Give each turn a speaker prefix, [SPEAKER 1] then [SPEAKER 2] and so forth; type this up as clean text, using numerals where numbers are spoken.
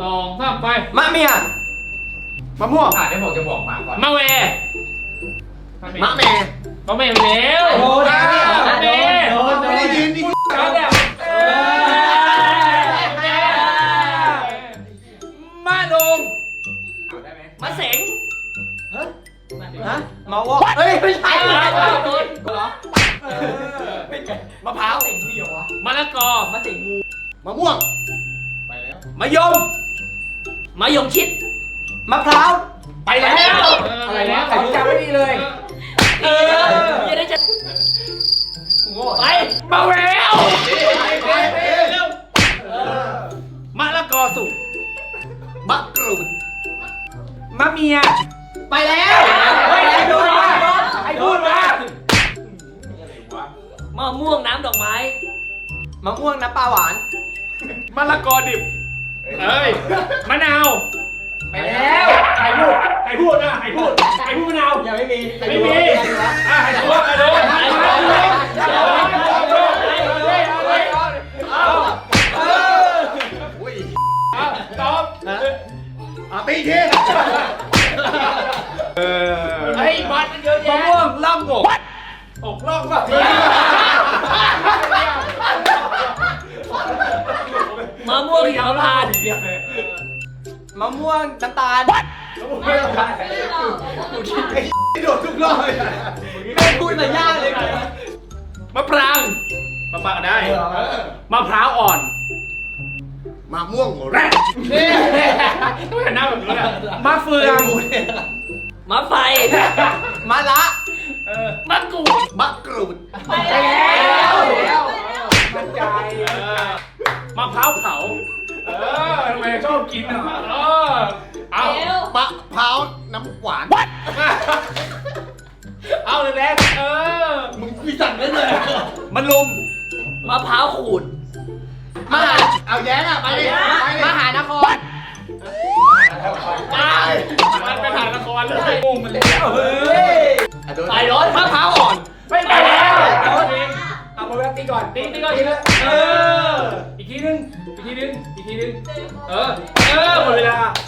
[SPEAKER 1] 2 3ไป
[SPEAKER 2] มะเมียมะม่วง
[SPEAKER 3] ได้บอกจะบอกมาก่อน
[SPEAKER 1] มะเว
[SPEAKER 2] มะแม่
[SPEAKER 1] มะเวแล้ว
[SPEAKER 2] โดน
[SPEAKER 1] มะเว
[SPEAKER 2] ไม่ได้ยินดิ
[SPEAKER 1] เอาแล้วมะดง
[SPEAKER 3] เอาได้ไหม
[SPEAKER 4] มะเสง
[SPEAKER 2] ฮะมะวอกเฮ้ยไม่ใช่
[SPEAKER 4] โดน
[SPEAKER 2] เหรอมะพร้าว
[SPEAKER 1] มะละกอ
[SPEAKER 4] มะเสงงู
[SPEAKER 2] มะม่วง
[SPEAKER 3] ไปแล้ว
[SPEAKER 2] มะยม
[SPEAKER 4] มะยงชิด
[SPEAKER 2] มะพร้าว
[SPEAKER 1] ไปแล้ว
[SPEAKER 2] อะไรนะใครจำไม่ดีเลย
[SPEAKER 4] จะได้จะ
[SPEAKER 2] กูโง่
[SPEAKER 4] ไป
[SPEAKER 1] มะเวล
[SPEAKER 2] เร็ว
[SPEAKER 1] มะละกอสุก
[SPEAKER 2] มะกรูด
[SPEAKER 1] มะเมีย
[SPEAKER 2] ไปแล้วเฮ้ยใครพูดมาใครพูดมา
[SPEAKER 3] อะไรวะ
[SPEAKER 4] มะม่วงน้ำดอกไม้
[SPEAKER 2] มะม่วงน้ำปลาหวาน
[SPEAKER 1] มะละกอดิบเอ้ยมะนาว
[SPEAKER 2] ไปแล้ว
[SPEAKER 1] ใครพูดใครพูดนะใครพูดใครพูดมะนาว
[SPEAKER 2] ยังไม่มี
[SPEAKER 1] ไม่มีอ่ะใครพูดใครพูดใครพูดตอบ
[SPEAKER 2] ตีที
[SPEAKER 1] ไอ้บัตรเยอะแยะมะม่วงล่ำอกอกล่องป่ะ
[SPEAKER 4] มะม่วงหิมพานต์
[SPEAKER 2] มะม่วงน้ำตาลโดดทุกรอบเลยไม่พูดแต่ยากเลย
[SPEAKER 1] มะปรางมะปรางได้มะพร้าวอ่อน
[SPEAKER 2] มะม่วงแรด
[SPEAKER 1] ต้องเห็นหน้าแบบนี้นะมะเฟือง
[SPEAKER 4] มะไฟ
[SPEAKER 2] มะละ
[SPEAKER 4] มะกรูด
[SPEAKER 2] มะกรูด
[SPEAKER 4] ไปแล้ว
[SPEAKER 2] มันใจ
[SPEAKER 1] มะพร้าวเผาทำไมชอบกินอ่ะเอา
[SPEAKER 2] มะพร้าวน้ำหวาน
[SPEAKER 1] เอาเลยแรก
[SPEAKER 2] มึงมีสั่งได้เลย
[SPEAKER 1] มะลุม
[SPEAKER 4] มะพร้าวขูด
[SPEAKER 2] มหาเอาแย้งอ่ะไปดิมหานคร
[SPEAKER 1] ตายมันไปถ่ายละครเลยงงมันแล้ว
[SPEAKER 4] ไปรถ
[SPEAKER 1] มะพร้าวอ่อนไม่ไปแล้วเอาไปตีก่อนตีก่อนทีละอีกทีนึงอีกทีนึงหมดเวลา